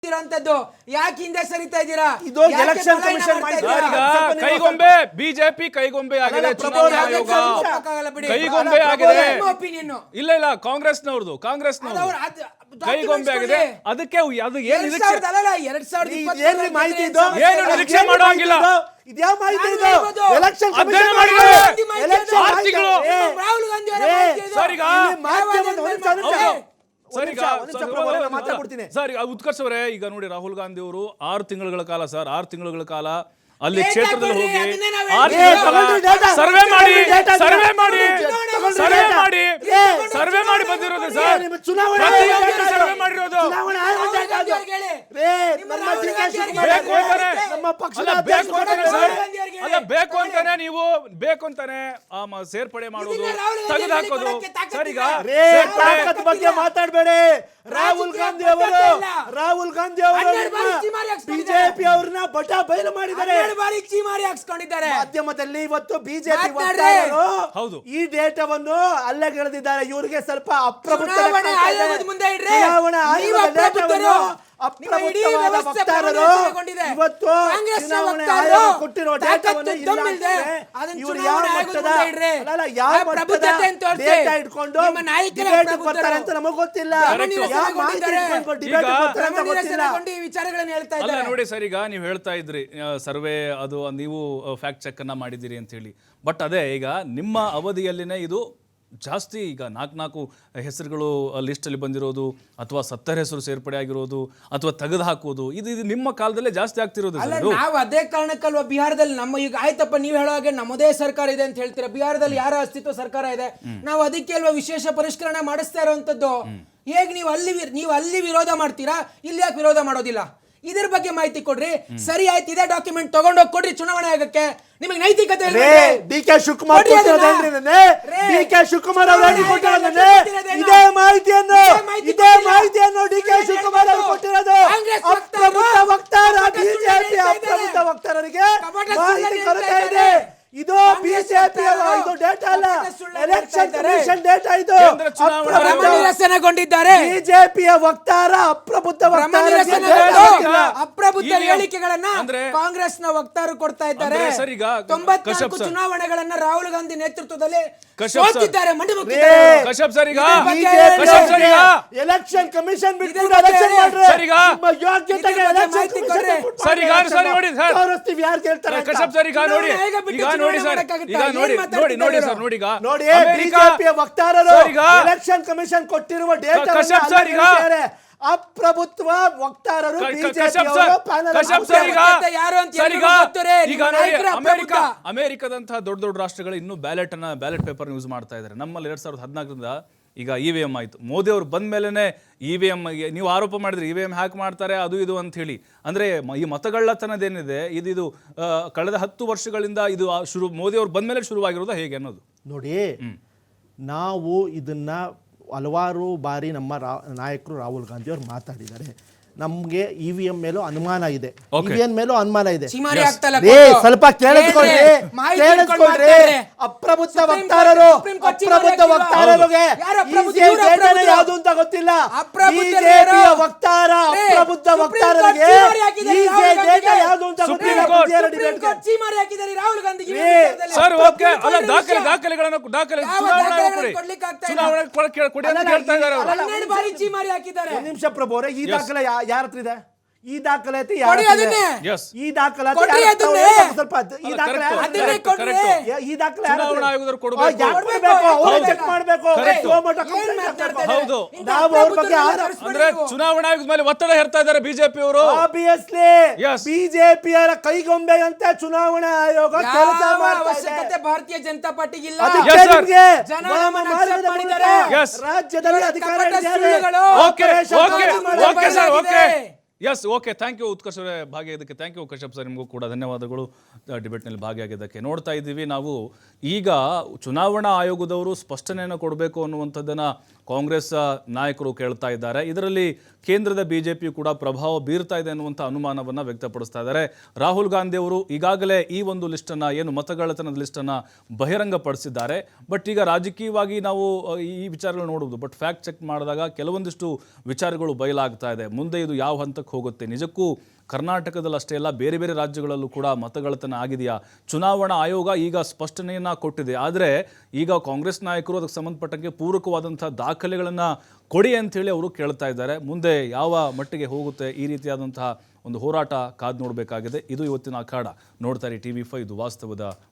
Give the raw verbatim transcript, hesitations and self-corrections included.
ಇರಂತದ್ದು ಯಾಕೆ ಹಿಂದೆ ಸರಿತಾ ಇದ್ದೀರಾ? ಇದು ಎಲೆಕ್ಷನ್ ಕಮಿಷನ್ ಕೈಗೊಂಬೆ ಬಿಜೆಪಿ ಕೈಗೊಂಬೆ ಆಗಿದೆ, ಚುನಾವಣಾ ಆಯೋಗ ಕೈಗೊಂಬೆ ಆಗಿದೆ. ಇಲ್ಲ ಇಲ್ಲ ಕಾಂಗ್ರೆಸ್ನವ್ರದ್ದು ಕಾಂಗ್ರೆಸ್ನವ್ರು ಕೈಗೊಂಬೆ ಆಗಿದೆ. ಅದಕ್ಕೆ ಅದು ಏನು ಏನು ನಿರೀಕ್ಷೆ ಮಾಡೋಂಗಿಲ್ಲ. ಇದ್ಯಾವ ಮಾಹಿತಿ ಇದು? ಎಲೆಕ್ಷನ್ ಅಧ್ಯಯನ ಮಾಡಿ ಆರು ತಿಂಗಳು ಸರ್ ಈಗ ಸರ್ ಉತ್ಕರ್ಷ್ ಅವರೇ, ಈಗ ನೋಡಿ ರಾಹುಲ್ ಗಾಂಧಿ ಅವರು ಆರು ತಿಂಗಳ ಕಾಲ ಸರ್ ಆರು ತಿಂಗಳ ಕಾಲ ಅಲ್ಲಿ ಕ್ಷೇತ್ರದಲ್ಲಿ ಹೋಗಿ ಸರ್ವೆ ಮಾಡಿ ಸರ್ವೆ ಮಾಡಿ ಸರ್ವೆ ಮಾಡಿ ಸರ್ವೆ ಮಾಡಿ ಬಂದಿರೋದು ಸರ್. ಸರ್ವೆ ಮಾಡಿರೋದು ಬೇಕು ಅಂತಾನೆ ಸರ್, ಅಲ್ಲ ಬೇಕು ಅಂತಾನೆ ನೀವು ಬೇಕು ಅಂತಾನೆ ಸೇರ್ಪಡೆ ಮಾಡೋದು ತೆಗೆದು ಹಾಕೋದು ಸರ್. ಈಗ ಬಗ್ಗೆ ಮಾತಾಡಬೇಡಿ. ರಾಹುಲ್ ಗಾಂಧಿ ಅವರು ರಾಹುಲ್ ಗಾಂಧಿ ಅವರು ಬಿಜೆಪಿ ಅವ್ರನ್ನ ಬಟ ಬಯಲು ಮಾಡಿದ್ದಾರೆ, ಮಾಧ್ಯಮದಲ್ಲಿ ಇವತ್ತು ಬಿಜೆಪಿ ಹೌದು ಈ ಡೇಟಾವನ್ನು ಅಲ್ಲಗೆಳೆದಿದ್ದಾರೆ. ಇವರಿಗೆ ಸ್ವಲ್ಪ ಅಪ್ರಬುದ್ಧ ಅಪ್ರಬುದ್ಧವಾದ ವಕ್ತಾರರು ಇವತ್ತು ಚುನಾವಣೆ ಆಯೋಗ ಕೊಟ್ಟಿರೋ ಡೇಟಾವನ್ನು ಇವರು ಯಾವ ಮಟ್ಟದ ಅಲ್ಲ ಯಾವ ಮಟ್ಟದ ಡೇಟಾ ಇಟ್ಕೊಂಡು ಡಿಬೇಟ್ ಬರ್ತಾರೆ ಅಂತ ನಮಗೆ ಗೊತ್ತಿಲ್ಲ. ಅಲ್ಲ ನೋಡಿ ಸರ್, ಈಗ ನೀವು ಹೇಳ್ತಾ ಇದ್ರಿ ಸರ್ವೆ ಅದು ನೀವು ಫ್ಯಾಕ್ಟ್ ಚೆಕ್ ಅನ್ನ ಮಾಡಿದಿರಿ ಅಂತ ಹೇಳಿ. ಬಟ್ ಅದೇ ಈಗ ನಿಮ್ಮ ಅವಧಿಯಲ್ಲಿನೇ ಇದು ಜಾಸ್ತಿ ಈಗ ನಾಲ್ಕು ನಾಲ್ಕು ಹೆಸರುಗಳು ಲಿಸ್ಟಲ್ಲಿ ಬಂದಿರೋದು ಅಥವಾ ಸತ್ತರ ಹೆಸರು ಸೇರ್ಪಡೆ ಆಗಿರೋದು ಅಥವಾ ತೆಗೆದು ಹಾಕೋದು ಇದು ಇದು ನಿಮ್ಮ ಕಾಲದಲ್ಲೇ ಜಾಸ್ತಿ ಆಗ್ತಿರೋದು. ನಾವು ಅದೇ ಕಾರಣಕ್ಕಲ್ವಾ ಬಿಹಾರದಲ್ಲಿ ನಮ್ಮ ಈಗ ಆಯ್ತಪ್ಪ ನೀವು ಹೇಳೋ ಹಾಗೆ ನಮ್ಮದೇ ಸರ್ಕಾರ ಇದೆ ಅಂತ ಹೇಳ್ತೀರಾ. ಬಿಹಾರದಲ್ಲಿ ಯಾರ ಅಸ್ತಿತ್ವ ಸರ್ಕಾರ ಇದೆ, ನಾವು ಅದಕ್ಕೆ ಅಲ್ವಾ ವಿಶೇಷ ಪರಿಷ್ಕರಣೆ ಮಾಡಿಸ್ತಾ ಇರೋವಂಥದ್ದು. ಹೇಗೆ ನೀವು ಅಲ್ಲಿ ನೀವು ಅಲ್ಲಿ ವಿರೋಧ ಮಾಡ್ತೀರಾ, ಇಲ್ಲಿ ಯಾಕೆ ವಿರೋಧ ಮಾಡೋದಿಲ್ಲ? ಇದ್ರ ಬಗ್ಗೆ ಮಾಹಿತಿ ಕೊಡ್ರಿ. ಸರಿ ಆಯ್ತು, ಇದೇ ಡಾಕ್ಯುಮೆಂಟ್ ತಗೊಂಡೋಗಿ ಕೊಡ್ರಿ ಚುನಾವಣಾ ಆಯೋಗಕ್ಕೆ. ನಿಮಗೆ ನೈತಿಕತೆ D K Shivakumar D K Shivakumar ಅವರು ಕೊಟ್ಟಿರೋದೇ ಇದೇ ಮಾಹಿತಿಯನ್ನು ಇದೇ ಮಾಹಿತಿಯನ್ನು ಡಿ ಕೆ ಶಿವಕುಮಾರ್ ಅವರು ಕೊಟ್ಟಿರೋದು. ಅಪ್ರಬುದ್ಧ ವಕ್ತಾರ ಬಿಜೆಪಿ ಅಪ್ರಬುದ್ಧ ವಕ್ತಾರರಿಗೆ ಮಾಹಿತಿ ಕೊರತೆ ಇದೆ. ಇದು ಬಿಜೆಪಿ ಇದು ಡೇಟಾ ಅಲ್ಲ, ಎಲೆಕ್ಷನ್ ಕಮಿಷನ್ ಡೇಟಾ. ಇದು ನಿರಸನಗೊಂಡಿದ್ದಾರೆ ಬಿಜೆಪಿಯ ವಕ್ತಾರ ಅಪ್ರಬುದ್ಧ ಅಪ್ರಬುದ್ಧ ಹೇಳಿಕೆಗಳನ್ನ ಕಾಂಗ್ರೆಸ್ನ ವಕ್ತಾರರು ಕೊಡ್ತಾ ಇದ್ದಾರೆ. ತೊಂಬತ್ನಾಲ್ಕು ಚುನಾವಣೆಗಳನ್ನ ರಾಹುಲ್ ಗಾಂಧಿ ನೇತೃತ್ವದಲ್ಲಿ ಎಲೆಕ್ಷನ್ ಕಮಿಷನ್ ಬಿಟ್ಟು ಎಲೆಕ್ಷನ್ ಮಾಡ್ರಿ. ಯೋಗ್ಯತೆಗೆ ನೋಡಿ ಸರ್, ಈಗ ನೋಡಿ ನೋಡಿ ನೋಡಿ ಸರ್ ನೋಡಿ ಈಗ ನೋಡಿ ಬಿಜೆಪಿಯ ವಕ್ತಾರರು ಎಲೆಕ್ಷನ್ ಕಮಿಷನ್ ಕೊಟ್ಟಿರುವ ಡೇಟಾ ಅಪ್ರಭುತ್ವ ವಕ್ತಾರರು ಅಮೆರಿಕದಂತಹ ದೊಡ್ಡ ದೊಡ್ಡ ರಾಷ್ಟ್ರಗಳು ಇನ್ನೂ ಬ್ಯಾಲೆಟ್ ಅನ್ನ ಬ್ಯಾಲೆಟ್ ಪೇಪರ್ ಯೂಸ್ ಮಾಡ್ತಾ ಇದ್ದಾರೆ. ನಮ್ಮಲ್ಲಿ ಎರಡ್ ಸಾವಿರದ ಹದಿನಾಲ್ಕರಿಂದ ಈಗ ಇ ವಿ ಎಂ ಆಯ್ತು. ಮೋದಿ ಅವರು ಬಂದ ಮೇಲೆನೆ ಇ ವಿ ಎಂ ನೀವು ಆರೋಪ ಮಾಡಿದ್ರಿ ಇ ವಿ ಎಂ ಹ್ಯಾಕ್ ಮಾಡ್ತಾರೆ ಅದು ಇದು ಅಂತ ಹೇಳಿ. ಅಂದ್ರೆ ಈ ಮತಗಳ್ಳತನದೇನಿದೆ ಇದು ಇದು ಕಳೆದ ಹತ್ತು ವರ್ಷಗಳಿಂದ ಇದು ಶುರು ಮೋದಿ ಅವರು ಬಂದ ಮೇಲೆ ಶುರುವಾಗಿರೋದು ಹೇಗೆ ಅನ್ನೋದು ನೋಡಿ. ನಾವು ಇದನ್ನ ಹಲವಾರು ಬಾರಿ ನಮ್ಮ ರಾ ನಾಯಕರು ರಾಹುಲ್ ಗಾಂಧಿ ಅವರು ಮಾತಾಡಿದ್ದಾರೆ. ನಮ್ಗೆ ಇ ವಿ ಎಂ ಮೇಲೂ ಅನುಮಾನ ಇದೆ, ಇ ವಿ ಎಂ ಮೇಲೂ ಅನುಮಾನ ಇದೆ. ಸ್ವಲ್ಪ ಕೇಳಿಸ್ಕೊಳ್ರಿ ಕೇಳಿಸ್ಕೊಳ್ರಿ ಅಪ್ರಬುದ್ಧ ವಕ್ತಾರರು ಅಪ್ರಬುದ್ಧ ವಕ್ತಾರರಿಗೆ ಯಾವುದು ಅಂತ ಗೊತ್ತಿಲ್ಲ. ಬಿಜೆಪಿಯ ವಕ್ತಾರ ಅಪ್ರಬುದ್ಧ ವಕ್ತಾರರಿಗೆ ಯಾವುದು ಅಂತ ಗೊತ್ತಿಲ್ಲ. ಸರ್ ಓಕೆ, ಅಲ್ಲ ದಾಖಲೆ ದಾಖಲೆಗಳನ್ನು ದಾಖಲೆ ಚುನಾವಣೆ ಕೊಡಿ ಅಂತ ಹೇಳ್ತಾ ಇದ್ದಾರೆ ಅವರು. ಒಂದು ನಿಮಿಷ ಪ್ರಭು ಅವರೇ, ಈ ದಾಖಲೆ ಯಾರ ಹತ್ರ ಇದೆ? ಈ ದಾಖಲಾತಿ ಈ ದಾಖಲಾತಿ ಸ್ವಲ್ಪ ಈ ದಾಖಲೆ ಈ ದಾಖಲೆ ಚುನಾವಣಾ ಆಯೋಗದವರು ಕೊಡಬೇಕು, ಚೆಕ್ ಮಾಡಬೇಕು. ನಾವು ಅವ್ರ ಬಗ್ಗೆ ಅಂದ್ರೆ ಚುನಾವಣಾ ಆಯೋಗದ ಮೇಲೆ ಒತ್ತಡ ಹೇರ್ತಾ ಇದ್ದಾರೆ ಬಿಜೆಪಿ ಅವರು. ಆಬ್ವಿಯಸ್ಲಿ ಬಿಜೆಪಿಯರ ಕೈಗೊಂಬೆ ಅಂತ ಚುನಾವಣಾ ಆಯೋಗ ಕೆಲಸ ಅವಶ್ಯಕತೆ ಭಾರತೀಯ ಜನತಾ ಪಾರ್ಟಿಗೆ ಇಲ್ಲ. ರಾಜ್ಯದಲ್ಲಿ ಅಧಿಕಾರ yes okay, thank you Utkarsh ಅವರೇ ಭಾಗಿಯಾಗಿದ್ದಕ್ಕೆ. ಥ್ಯಾಂಕ್ ಯು ಕಶ್ಯಪ್ ಸರ್, ನಿಮಗೂ ಕೂಡ ಧನ್ಯವಾದಗಳು ಡಿಬೇಟ್ನಲ್ಲಿ ಭಾಗಿಯಾಗಿದ್ದಕ್ಕೆ. ನೋಡ್ತಾ ಇದ್ದೀವಿ ನಾವು ಈಗ ಚುನಾವಣಾ ಆಯೋಗದವರು ಸ್ಪಷ್ಟನೆಯನ್ನು ಕೊಡಬೇಕು ಅನ್ನುವಂಥದ್ದನ್ನು ಕಾಂಗ್ರೆಸ್ ನಾಯಕರು ಕೇಳ್ತಾ ಇದ್ದಾರೆ. ಇದರಲ್ಲಿ ಕೇಂದ್ರದ ಬಿಜೆಪಿ ಕೂಡ ಪ್ರಭಾವ ಬೀರ್ತಾ ಇದೆ ಅನ್ನುವಂಥ ಅನುಮಾನವನ್ನು ವ್ಯಕ್ತಪಡಿಸ್ತಾ ಇದ್ದಾರೆ. ರಾಹುಲ್ ಗಾಂಧಿ ಅವರು ಈಗಾಗಲೇ ಈ ಒಂದು ಲಿಸ್ಟನ್ನು ಏನು ಮತಗಳ್ಳತನದ ಲಿಸ್ಟನ್ನು ಬಹಿರಂಗಪಡಿಸಿದ್ದಾರೆ. ಬಟ್ ಈಗ ರಾಜಕೀಯವಾಗಿ ನಾವು ಈ ವಿಚಾರಗಳು ನೋಡುವುದು, ಬಟ್ ಫ್ಯಾಕ್ಟ್ ಚೆಕ್ ಮಾಡಿದಾಗ ಕೆಲವೊಂದಿಷ್ಟು ವಿಚಾರಗಳು ಬಯಲಾಗ್ತಾ ಇದೆ. ಮುಂದೆ ಇದು ಯಾವ ಹಂತಕ್ಕೆ ಮಟ್ಟಕ್ಕೆ ಹೋಗುತ್ತೆ? ನಿಜಕ್ಕೂ ಕರ್ನಾಟಕದಲ್ಲಿ ಅಷ್ಟೇ ಅಲ್ಲ, ಬೇರೆ ಬೇರೆ ರಾಜ್ಯಗಳಲ್ಲೂ ಕೂಡ ಮತಗಳ್ಳತನ ಆಗಿದೆಯಾ? ಚುನಾವಣಾ ಆಯೋಗ ಈಗ ಸ್ಪಷ್ಟನೆಯನ್ನು ಕೊಟ್ಟಿದೆ. ಆದರೆ ಈಗ ಕಾಂಗ್ರೆಸ್ ನಾಯಕರು ಅದಕ್ಕೆ ಸಂಬಂಧಪಟ್ಟಂಗೆ ಪೂರಕವಾದಂಥ ದಾಖಲೆಗಳನ್ನು ಕೊಡಿ ಅಂಥೇಳಿ ಅವರು ಕೇಳ್ತಾ ಇದ್ದಾರೆ. ಮುಂದೆ ಯಾವ ಮಟ್ಟಿಗೆ ಹೋಗುತ್ತೆ ಈ ರೀತಿಯಾದಂತಹ ಒಂದು ಹೋರಾಟ ಕಾದು ನೋಡಬೇಕಾಗಿದೆ. ಇದು ಇವತ್ತಿನ ಅಖಾಡ. ನೋಡ್ತಾರೆ ಟಿ ವಿ ಫೈವ್, ಇದು ವಾಸ್ತವದ